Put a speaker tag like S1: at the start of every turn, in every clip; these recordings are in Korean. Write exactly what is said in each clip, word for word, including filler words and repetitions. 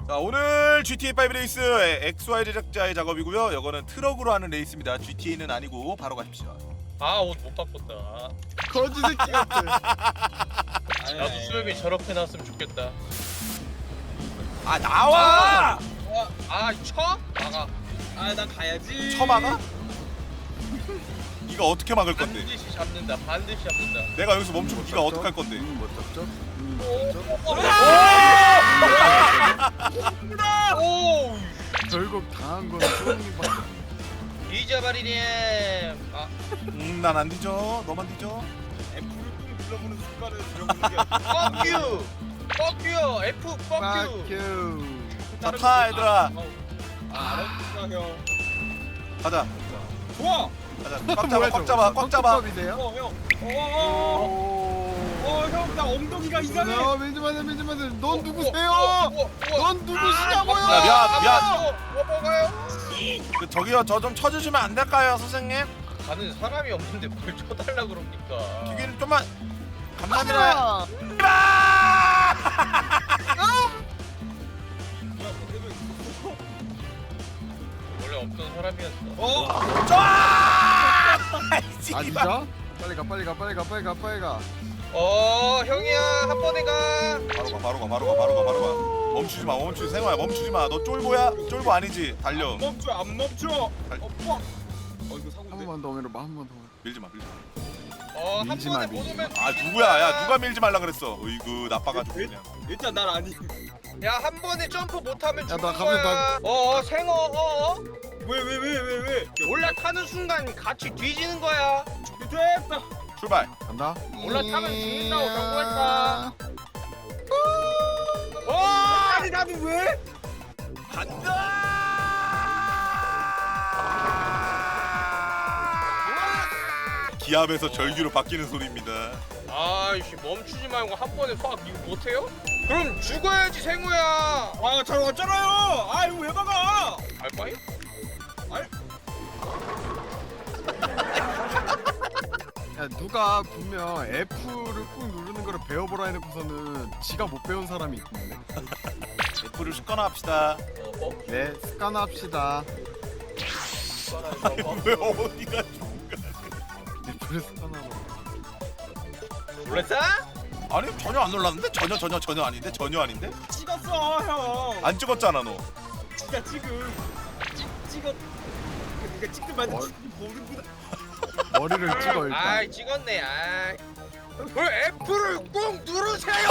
S1: 자, 오늘 지티에이 오 레이스 엑스와이 제작자의 작업이고요. 이거는 트럭으로 하는 레이스입니다. 지티에이는 아니고 바로 가십시오.
S2: 아, 옷 못 바꿨다.
S3: 거지 새끼 같아.
S2: 나도 수염이 저렇게 났으면 좋겠다.
S1: 아, 나와!
S2: 아, 아, 쳐? 나가.
S3: 아, 나 가야지.
S1: 쳐막아? 네가 어떻게 막을 건데?
S2: 반드시 잡는다. 반드시 잡는다.
S1: 내가 여기서 멈추고 네가 어떻게 할 건데?
S3: 음, 못 잡죠? 음,
S2: 오!
S3: 결국 당한 건 소음이밖에.
S2: 잊어버리렴. 아,
S1: 음, 난 안 뒤져. 너만 뒤져.
S4: F를 꾹 눌러보는 순간에 들어보는 게
S2: fuck you. fuck you. F fuck you.
S3: 큐.
S1: 자, 타 얘들아.
S4: 알았어 형.
S1: 가자.
S4: 좋아.
S1: 가자. 꽉 잡아. 꽉 잡아. 꽉 잡아.
S3: 이세요?
S4: 어 형. 어어어. 형 나 엉덩이가 이상해.
S3: 어, 밀지 마세요, 밀지 마세요. 넌 누구세요?
S2: 우와, 우와, 우와.
S3: 넌 누구시냐고요?
S1: 야, 미안, 미안.
S2: 뭐 먹어요?
S1: 그, 저기요, 저 좀 쳐주시면 안 될까요, 선생님?
S2: 가는 사람이 없는데 뭘 쳐달라 그럽니까?
S1: 기계는 좀만. 감사합니다.
S3: 아,
S2: 원래 없던 사람이었어.
S4: 어.
S1: 좋아!
S3: 아
S1: 씨발.
S3: 진짜? 빨리 가, 빨리 가, 빨리 가, 빨리 가, 빨리 가.
S2: 어, 형이야, 한 번에 가.
S1: 바로 가, 바로 가, 바로 가, 바로 가, 바로 가. 멈추지 마, 멈추지, 생화야, 멈추지 마. 너 쫄보야? 쫄보 아니지? 달려.
S4: 안 멈춰 안 멈춰.
S1: 달-
S4: 어 뻑. 어 이거
S3: 한
S4: 사고인데.
S3: 번만 더 오면 봐, 한 번 더.
S1: 밀지 마, 밀지 마.
S2: 어, 한
S3: 밀지
S2: 번에
S3: 마,
S2: 못
S3: 밀지
S2: 오면
S1: 아, 누구야? 야, 누가 밀지 말라 그랬어? 어이구, 나빠가지고 그냥.
S4: 일단 난 아니.
S2: 야, 한 번에 점프 못하면
S3: 야,
S2: 죽는
S3: 나 가면
S2: 거야. 어, 어, 생어, 어, 어.
S4: 왜 왜 왜 왜 왜?
S2: 올라타는 순간 같이 뒤지는 거야.
S4: 됐다.
S1: 출발.
S3: 간다.
S2: 올라타면 죽는다고 경고했다. 어!
S4: 아니 나도 왜?
S1: 기압에서 절규로 바뀌는 소리입니다.
S2: 아이씨, 멈추지 말고 한 번에 확 이거 못해요? 그럼 죽어야지, 생우야.
S4: 아 잘 왔잖아요. 아 이거 왜 막아?
S2: 알바이?
S3: 야, 누가 분명 F를 꾹 누르는 거를 배워보라 해놓고서는 지가 못 배운 사람이 있는데.
S1: F를 습관화 합시다.
S2: 어,
S3: 네, 습관합시다.
S1: 왜 어디가
S3: F를 습관하고.
S2: 놀랬어?
S1: 아니, 전혀 안 놀랐는데? 전혀, 전혀, 전혀 아닌데? 전혀 아닌데?
S4: 찍었어 형.
S1: 안 찍었잖아, 너.
S4: 진짜 지금 찍 찍었. 그러니까 찍든 말든
S3: 뭘?
S4: 모르구나.
S3: 머리를 찍어 일단.
S2: 아이, 찍었네. 아이. 왜 F를 꾹 누르세요?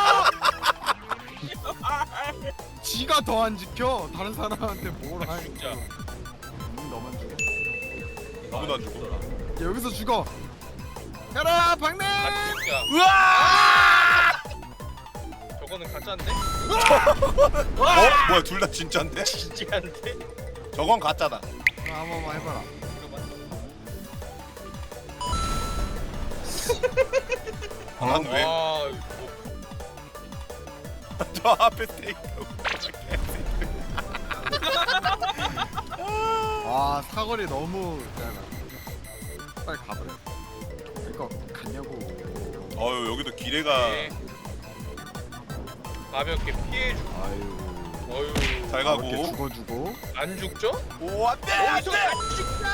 S3: 지가 더 안 지켜. 다른 사람한테 뭘 하?
S2: 진짜.
S3: 음, 너만 죽어.
S1: 아무도 안 죽어.
S3: 야, 여기서 죽어. 가라, 박내.
S2: 아, 진짜.
S1: 으아!
S2: 저거는 가짜인데?
S1: 어? 뭐야, 둘 다 진짜인데?
S2: 진짜인데?
S1: 저건 가짜다.
S3: 아, 한 번만 해봐라.
S1: 아, 난 왜?
S2: 와,
S1: 저 앞에 스테이크.
S3: 와, 사거리 너무 짧아. 빨리 가버려. 이거 갔냐고.
S1: 어유, 여기도 기레가.
S2: 네. 가볍게 피해주고.
S3: 아유.
S2: 어휴.
S1: 잘
S3: 이렇게
S1: 가고.
S3: 죽어주고.
S2: 안 죽죠?
S1: 오, 안 돼! 안
S2: 어디서
S1: 돼!
S2: 안 죽다!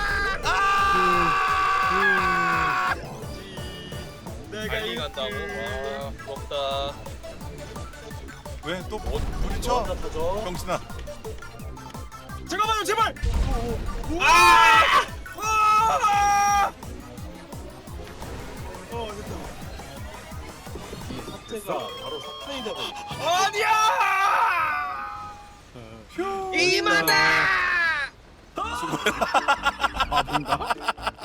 S4: 내가
S2: 빨리 간다고. 와, 부럽다.
S1: 왜 또 부딪혀? 병신아.
S4: 잠깐만요 제발. 아! 아! 어 됐다. 이 사태가 바로 사탄이 되고. 아니야!
S2: 이마다!
S3: 아, 뭔가?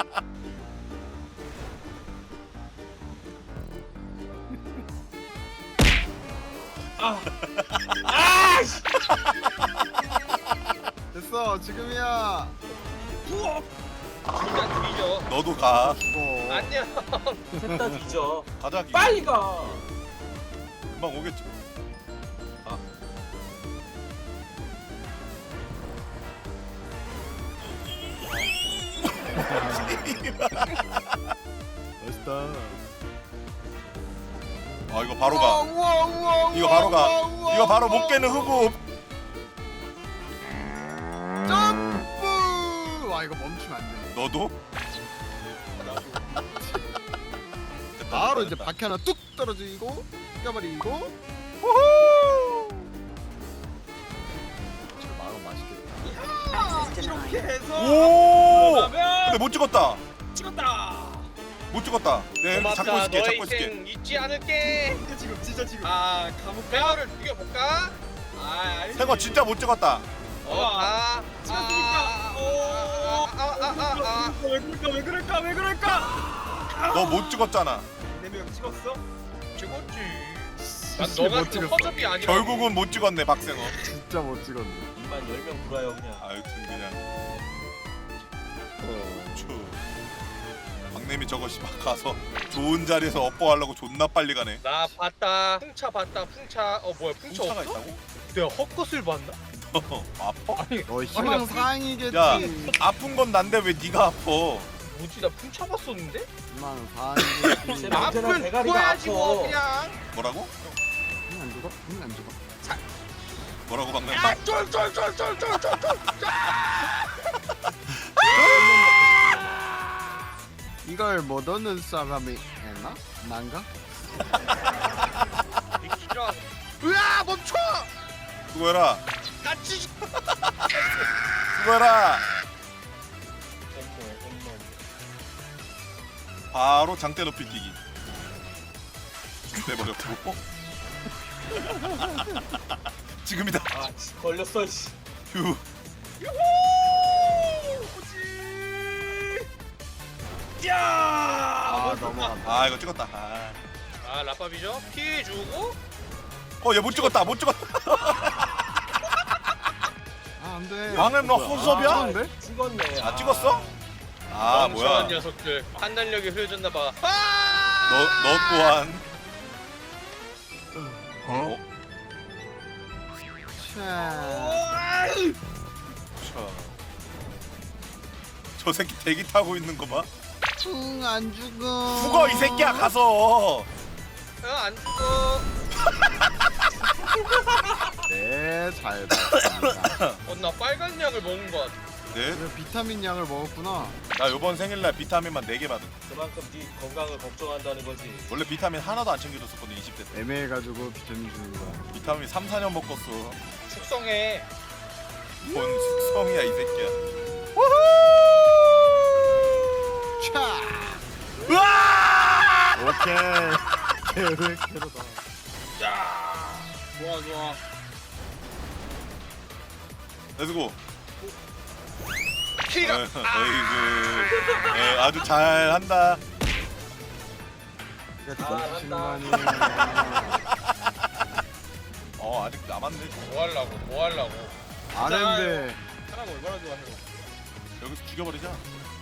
S3: 됐어, 지금이야.
S2: 진짜 뒤져.
S1: 너도 가.
S3: 죽어.
S2: 안녕.
S4: 셋다 뒤져.
S1: 가자. 기계.
S4: 빨리 가.
S1: 금방 오겠지.
S3: 멋있다.
S1: 아, 이거 바로 가.
S3: 우와, 우와, 우와,
S1: 이거 바로 가.
S3: 우와, 우와,
S1: 이거 바로
S3: 우와,
S1: 못 깨는
S3: 우와.
S1: 흑우.
S3: 와 이거 멈추면 안 돼.
S1: 너도?
S3: 바로 이제 바퀴 하나 뚝 떨어지고 껴버리고.
S1: 우후!
S3: 저 마음 맛있겠다.
S2: 이렇게 해서
S1: 오!
S2: 그러면
S1: 근데 못 찍었다.
S2: 찍었다.
S1: 못 찍었다. 네, 이렇게 잡고
S2: 고맙다.
S1: 있을게.
S2: 너의
S1: 잡고 있을게.
S2: 인생 잊지 않을게.
S4: 진짜 지금 진짜 지금.
S2: 아 감옥 배어를 죽여볼까?
S4: 아 아니.
S1: 생거 진짜 못 찍었다.
S2: 어, 아,
S4: 찍었으니까.
S2: 아, 아, 아, 아, 아,
S4: 왜 그럴까 왜 그럴까 왜 그럴까?
S1: 너 못 찍었잖아.
S4: 네명 찍었어?
S2: 찍었지. 난
S3: 씨,
S2: 너가
S3: 못
S2: 그
S3: 찍었어.
S2: 허접이 아니라.
S1: 결국은 못 찍었네, 박생호.
S3: 진짜 못 찍었네.
S4: 이만 열 명 불어요 그냥.
S1: 아유튼 그냥. 추. 박내미 저것이 막 가서 좋은 자리에서 업보하려고 존나 빨리 가네.
S2: 나 봤다. 풍차 봤다. 풍차. 어 뭐야? 풍차
S1: 풍차가
S2: 없어?
S1: 있다고?
S2: 내가 헛것을 봤나?
S1: 아파?
S2: 아니
S3: 너 희망 사항이겠지.
S1: 야, 아픈 건 난데 왜 네가 아파?
S2: 뭐지? 나 풍차 봤었는데?
S3: 희망 사항이겠지.
S4: 제발. 언제나
S2: 아픈
S4: 대가리가
S2: 거야지 뭐
S4: 아파.
S2: 그냥.
S1: 뭐라고?
S3: 안 죽어? 응, 안 죽어.
S1: 뭐라고 박내미?
S2: 야, 쫄쫄쫄쫄쫄쫄쫄.
S3: 이걸 못 얻는 사람이 있나? 난가?
S2: 미키라. 으아 멈춰.
S1: 수고해라.
S2: 같이.
S1: 수고해라.
S4: 홈런 홈런.
S1: 바로 장대 높이 뛰기. 내버렸고. 지금이다.
S4: 아 씨, 걸렸어 씨.
S1: 휴.
S2: 야.
S3: 아 넘어간다.
S1: 아 이거 찍었다. 아,
S2: 아 라pap이죠? 피해주고.
S1: 어 얘 못 찍었다. 못 찍었다.
S3: 아 안돼.
S1: 방금 너 혼섭이야?
S3: 아, 안돼?
S4: 찍었네.
S1: 아 찍었어? 아 뭐야?
S2: 멍청한 녀석들. 판단력이 흐려졌나 봐. 아!
S1: 너 너 또한. 어?
S3: 차.
S1: 자. 저 새끼 대기 타고 있는 거 봐.
S3: 응, 안 죽어.
S1: 죽어 이 새끼야 가서.
S2: 어, 안 죽어.
S3: 네, 잘 봤습니다.
S2: 어, 나 빨간 약을 먹은 것 같아.
S1: 네?
S3: 그래, 비타민 약을 먹었구나.
S1: 나 요번 생일날 비타민만 네 개 받은.
S4: 그만큼 네 건강을 걱정한다는 거지.
S1: 원래 비타민 하나도 안 챙겨줬었거든 이십 대 때.
S3: 애매해가지고 비타민 주는 거야.
S1: 비타민 삼, 사 년 먹었어.
S2: 숙성해.
S1: 뭔 숙성이야 이 새끼야.
S3: 차.
S1: 으아!
S3: 오케이. 계획대로다.
S2: 야, 좋아 좋아.
S1: 렛츠고.
S2: 키가.
S1: 어이구. 예, 아주 잘한다.
S3: 이게
S4: 아,
S3: 정신만이.
S1: 어 아직 남았네.
S2: 뭐 하려고? 뭐 하려고?
S3: 안 했는데.
S2: 사람 얼마나 좋아해?
S1: 여기서 죽여버리자.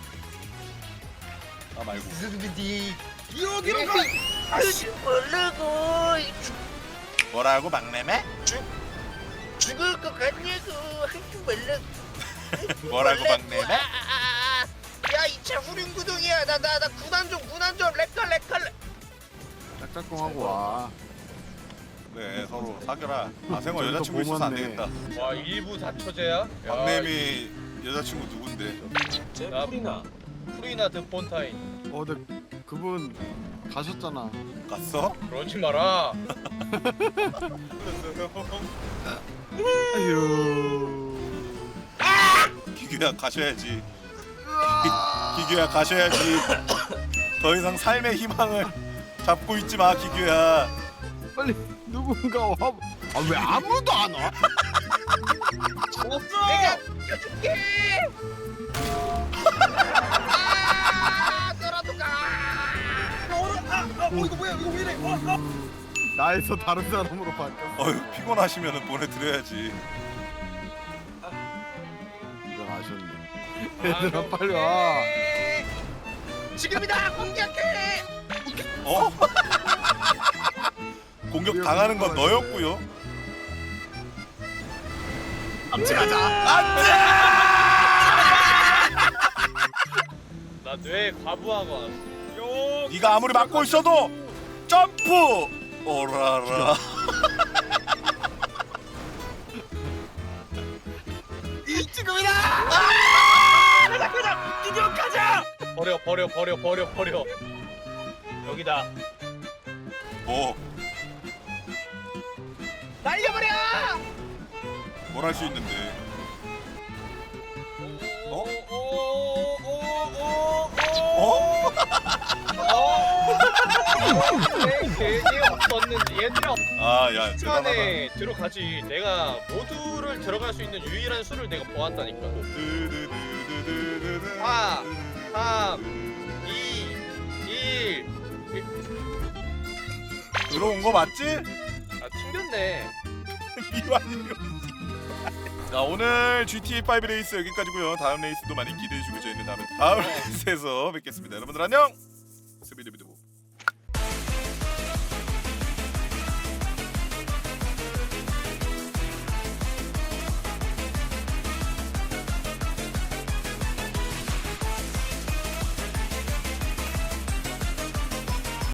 S1: 아 말고.
S2: 여기로 가. 아씨 모르고
S1: 뭐라고 막내매?
S2: 죽을 것 같냐고. 하지 말라.
S1: 뭐라고 막내매?
S2: 야, 이 차 후륜구동이야. 나 나 나 구단 좀 구단 좀 렉컬 렉컬.
S3: 짝짝꿍하고 와.
S1: 네 서로 사겨라. 아 생활
S3: 저기도
S1: 여자친구 있어서 안
S3: 고맙네.
S1: 되겠다.
S2: 와, 일부 다처제야?
S1: 막내미 여자친구 누군데?
S4: 제
S2: 나-
S4: 풀이나.
S2: 프리나 드 폰타인.
S3: 어, 근데 그분 가셨잖아.
S1: 갔어?
S2: 그러지 마라.
S3: 아유.
S1: 기규야 가셔야지. 기, 기규야 가셔야지. 더 이상 삶의 희망을 잡고 있지 마 기규야.
S3: 빨리 누군가 와. 아 왜 아무도 안 와?
S2: 내가 죽여줄게. 아, 너라도 가.
S4: 어 이거 뭐야 이거 왜 이래? 어, 어.
S3: 나에서 다른 사람으로 바뀌었어.
S1: 어휴 피곤하시면은 보내드려야지.
S3: 이건 아쉽네.
S2: 아,
S3: 얘들아 빨리 와.
S2: 지금이다. 공격해.
S1: 어? 공격 당하는 건 너였고요.
S3: 암치가자.
S1: 안돼.
S2: 나 뇌 과부하고 왔어.
S1: 네가 아무리 막고 있어도 점프. 오라라.
S3: 이 지금이다.
S2: 버려 버려 버려 버려 버려. 여기다.
S1: 뭐,
S2: 날려버려.
S1: 뭘 할 수 있는데. 어?
S2: 어? 괜히 없었는지 얘들아
S1: 아, 야, 대단하다.
S2: 시간에 들어가지. 내가 모두를 들어갈 수 있는 유일한 수를 내가 보았다니까.
S1: 드드드드드드드.
S2: 사, 삼, 이, 일.
S1: 들어온 거 맞지?
S2: 아 튕겼네.
S1: 이완용. 자, 오늘 지티에이 오 레이스 여기까지고요. 다음 레이스도 많이 기대해 주시고 저희는 다음에 다음 레이스에서 뵙겠습니다. 여러분들 안녕. 스비드비드.